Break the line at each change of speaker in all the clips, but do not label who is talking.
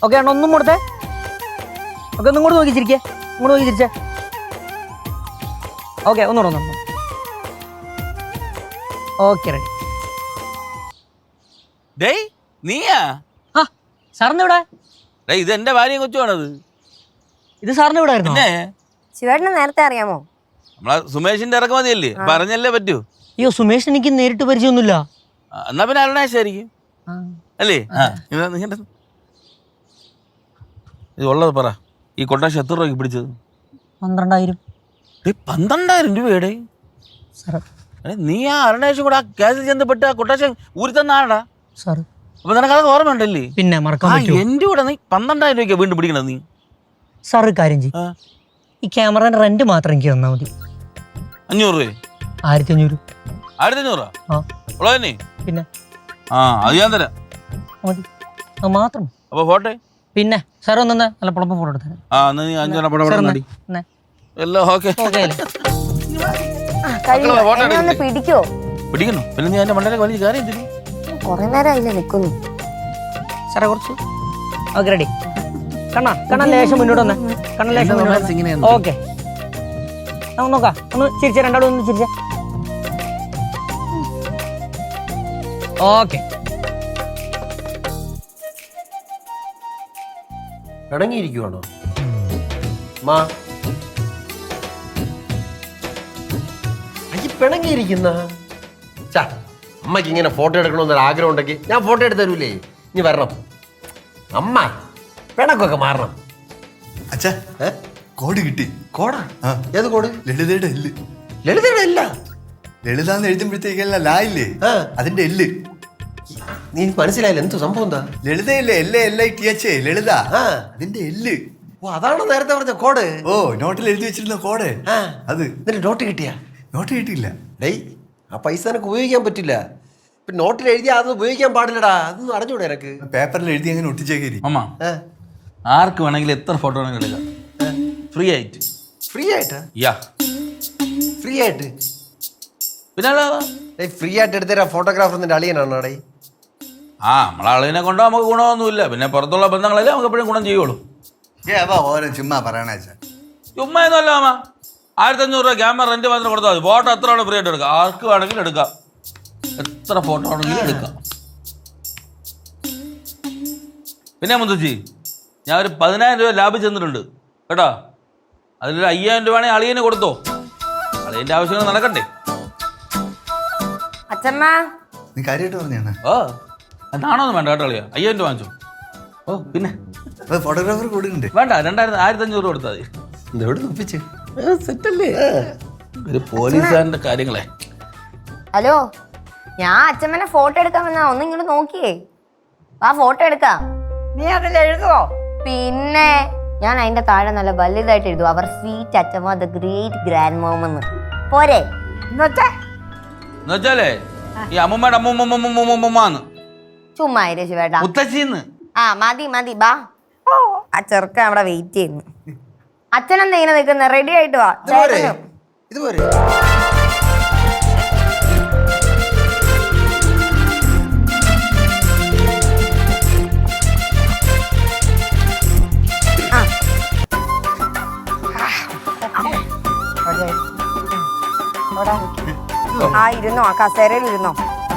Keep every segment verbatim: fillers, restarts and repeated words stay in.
Okay അണ്ണ ഒന്നും കൊടുത്തേ. ഓക്കെ ഒന്നും കൂടെ നോക്കി ചിരിക്കേ, ഇങ്ങോട്ട് നോക്കി ചിരിച്ചേ. ഓക്കെ ഒന്നുകൂടെ ഒന്നു. Okay ready.
ഡേയ് നീയാ?
ആ സാറിന് ഇവിടെ?
ഡേയ് ഇത് എന്റെ ഭാര്യയും കൊച്ചുവാണത്.
ഇത് സാറിന് ഇവിടെ ആയിരുന്നു?
പിന്നെ
ശിവേട്ടനെ നേരത്തെ അറിയാമോ?
നമ്മളെ സുമേഷിന്റെ ഇറക്കുമതിയല്ലേ, പറഞ്ഞല്ലേ പറ്റൂ.
അയ്യോ സുമേഷ് എനിക്ക് നേരിട്ട് പരിചയമൊന്നുമില്ല.
എന്നാ പിന്നെ അരുണാശായിരിക്കും അല്ലേ? ഇത് ഉള്ളത് പറ. ഈ കൊട്ടാശം എത്ര രൂപയ്ക്ക് പിടിച്ചത്?
പന്ത്രണ്ടായിരം.
പന്ത്രണ്ടായിരം രൂപയുടെ? നീ ആ അരുണാശം കൂടെ ആ കേസിൽ ചെന്നപ്പെട്ട് ആ കൊട്ടാശം ഊരി തന്ന ആടാ
സാർ.
അപ്പൊ നിനക്കത് ഓർമ്മയുണ്ടല്ലേ?
പിന്നെ മറക്കാൻ പറ്റുമോ?
എന്റെ കൂടെ നീ പന്ത്രണ്ടായിരം രൂപയ്ക്ക് വീണ്ടും പിടിക്കണത് നീ?
സാർ ഒരു കാര്യം ചെയ്യും, ഈ ക്യാമറയുടെ റെന്റ് മാത്രം എനിക്ക് തന്നാൽ മതി.
അഞ്ഞൂറ് രൂപ?
ആയിരത്തി അഞ്ഞൂറ്.
ആയിരത്തി അഞ്ഞൂറാ ഉള്ളതന്നെ?
പിന്നെ
ആ അത് ഞാൻ തരാം.
മതി, അത് മാത്രം.
അപ്പൊ ഫോട്ടോ?
പിന്നെ സാർ ഒന്ന് നല്ല പുളപ്പം ഫോട്ടോ എടുത്തരാം.
ആ എന്നാ നീ അഞ്ചെണ്ണം പടം എല്ലാം ഓക്കെ.
പിടിക്കോ?
പിടിക്കണോ? പിന്നെ നീ എന്റെ മണ്ടയിലേക്ക് വലിയ കാര്യം എന്തിനു?
കൊറേ നേരം അതിലെ നിക്കുന്നു
സാറേ. കുറച്ച് ഓക്കെ റെഡി. കണ്ണാ കണ്ണ ലേശം മുന്നോട്ട് വന്നേ. കണ്ണ ലേശം ഓക്കെ. നമുക്ക് നോക്കാം. ഒന്ന് ചിരിച്ച, രണ്ടാളും ഒന്ന് ചിരിച്ച. ഓക്കെ.
പിണങ്ങിയിരിക്കുവാണോ മാ? അയ്യ പിണങ്ങിയിരിക്കുന്ന ചാ, അമ്മയ്ക്ക് ഇങ്ങനെ ഫോട്ടോ എടുക്കണമെന്നൊരു ആഗ്രഹം ഉണ്ടെങ്കിൽ ഞാൻ ഫോട്ടോ എടുത്ത് തരൂലേ. ഇനി വരണം അമ്മ, പിണക്കൊക്കെ മാറണം.
അച്ഛാ കോഡ് കിട്ടി.
കോടാ? ഏത് കോഡ്?
ലളിതയുടെ എല്ല്.
ലളിതയുടെ എല്ല?
ലളിതാന്ന് എഴുതുമ്പോഴത്തേക്കല്ല ലാ ഇല്ലേ, അതിന്റെ എല്ല്.
നീ മനസ്സിലായില്ല എന്തു സംഭവം? എന്താ
ലളിതയില്ലേ? L L I T H ലളിത, അതിന്റെ എല്ല്.
ഓ അതാണോ നേരത്തെ പറഞ്ഞ കോഡ്?
ഓ നോട്ടിൽ എഴുതി വെച്ചിരുന്ന കോഡ് അത്.
എന്നിട്ട് നോട്ട് കിട്ടിയാ?
നോട്ട് കിട്ടിയില്ല.
ഡേയ് ആ പൈസ എനിക്ക് ഉപയോഗിക്കാൻ പറ്റില്ല. ഇപ്പൊ നോട്ടിൽ എഴുതിയാ അത് ഉപയോഗിക്കാൻ പാടില്ലടാ. അതൊന്നും അറിഞ്ഞൂടെ എനക്ക്?
പേപ്പറിൽ എഴുതി അങ്ങനെ ഒട്ടിച്ചേക്കരി.
അമ്മ ആർക്ക് വേണമെങ്കിലും എത്ര ഫോട്ടോ വേണമെങ്കിലും എടുക്കാം, ഫ്രീ ആയിട്ട്.
ഫ്രീ ആയിട്ടാ?
യാ
ഫ്രീ ആയിട്ട്?
പിന്നെ
ഫ്രീ ആയിട്ട് എടുത്തരാ ഫോട്ടോഗ്രാഫർ നിന്റെ അളിയനാണോ? ഡേ
ആ നമ്മളെ അളിയനെ കൊണ്ടോ നമുക്ക് ഗുണമൊന്നുമില്ല. പിന്നെ പുറത്തുള്ള ബന്ധങ്ങളല്ലേ നമുക്ക് എപ്പോഴും ഗുണം ചെയ്യുള്ളൂ.
ഏതാ ഓരോ ചുമ്മാ പറയണ
ചുമ്മാ ഒന്നുമല്ല അമ്മ. ആയിരത്തി അഞ്ഞൂറ് രൂപ ക്യാമറ റെന്റ് മാത്രം കൊടുത്താൽ മതി. ഫോട്ടോ എത്ര വേണം ഫ്രീ ആയിട്ട് എടുക്കാം. ആർക്ക് വേണമെങ്കിലും എടുക്കാം, എത്ര ഫോട്ടോ ആണെങ്കിലും എടുക്കാം. പിന്നെ മുത്തശ്ശി, ഞാൻ ഒരു പതിനായിരം രൂപ ലാഭം ചെന്നിട്ടുണ്ട് കേട്ടോ. അതിലൊരു അയ്യായിരം രൂപ ആണെങ്കിൽ അളിയന് കൊടുത്തോ. അളിയന്റെ ആവശ്യങ്ങൾ നടക്കണ്ടേ?
അച്ഛമ്മ
നീ കാര്യമായിട്ട് പറഞ്ഞാ?
ഓ അതാണോന്ന് വേണ്ട കേട്ടോ അളിയ. അയ്യായിരം രൂപ വാങ്ങിച്ചോ. ഓ പിന്നെ
ഫോട്ടോഗ്രാഫർ കൊടുക്കണ്ടേ?
വേണ്ട, രണ്ടായിരത്തി ആയിരത്തി അഞ്ഞൂറ് രൂപ കൊടുത്താൽ മതി.
എവിടെ ഒപ്പിച്ച്
സെറ്റല്ലേ ഒരു പോലീസുകാരന്റെ കാര്യങ്ങളെ.
ഹലോ, ഞാൻ അച്ഛമ്മനെ ഫോട്ടോ എടുക്കാൻ വന്നാ. ഒന്ന് ഇങ്ങോട്ട് നോക്കിയേ, ആ ഫോട്ടോ എടുക്കാം.
നീ അതിൽ എഴുതുവോ?
പിന്നെ ഞാൻ അതിന്റെ താഴെ നല്ല വലുതായിട്ട് എഴുതും, അവർ സ്വീറ്റ് അച്ഛമ്മ ദ ഗ്രേറ്റ് ഗ്രാൻഡ് മോം എന്ന്. പോരെ?
എന്നുവെച്ചാലേ ഈ അമ്മൂമ്മയുടെ അമ്മൂമ്മൂമ്മൂമ്മൂമ്മന്ന്
ചുമ്മാ ശിവേട്ടാ.
മുത്തശ്ശിന്ന്.
ആ മതി മതി, ബാ. ഓ ആ ചെറുക്കൻ അവിടെ വെയിറ്റ് ചെയ്യുന്നു. അച്ഛനെന്താ ഇങ്ങനെ നിൽക്കുന്നത്? റെഡി ആയിട്ട് വാ.
ഇതുപോലെ
ആ ഇരുന്നോ, ആ കസേരയിൽ ഇരുന്നോ.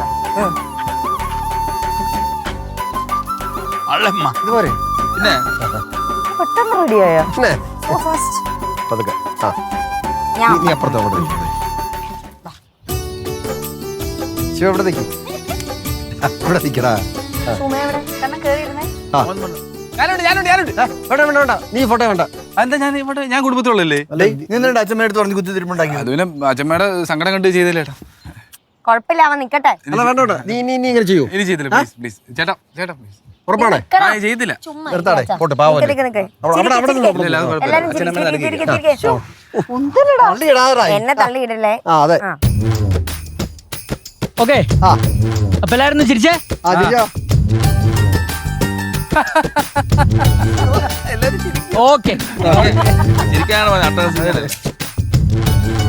ഇതുപോലെ
പിന്നെ
പെട്ടെന്ന് റെഡിയായോ?
പതുക്കെ. ആ നീ അപ്പുറത്ത് അവിടെ ശിവ ഇവിടെ നിൽക്കും. ഇവിടെ നിൽക്കടാ. നീ ഫോട്ടോ വേണ്ട.
എന്താ ഞാൻ ഞാൻ കുടുംബത്തിലുള്ളല്ലേ?
നിങ്ങളുടെ അച്ഛമ്മ എടുത്ത് പറഞ്ഞ് കുത്തി തിരുമുണ്ടാക്കി.
അത് പിന്നെ അച്ഛമ്മയുടെ സങ്കടം കണ്ട് ചെയ്തില്ല ചേട്ടാ.
കുഴപ്പമില്ല, അവൻ നിക്കട്ടെ.
നീ നീ നീ ഇങ്ങനെ ചെയ്യൂ.
ഇനി ചെയ്തില്ല, പ്ലീസ് പ്ലീസ് ചേട്ടാ ചേട്ടാ പ്ലീസ്.
ഉറപ്പാണേ?
ചെയ്തില്ല.
നിർത്താടെ പോട്ടെ. പാവം
എന്നെ തള്ളിയിടല്ലേ.
അതെ.
ഓക്കെ അപ്പൊ എല്ലാരും ചിരിച്ചേ.
ഓക്കെ ശരിക്കാണ്.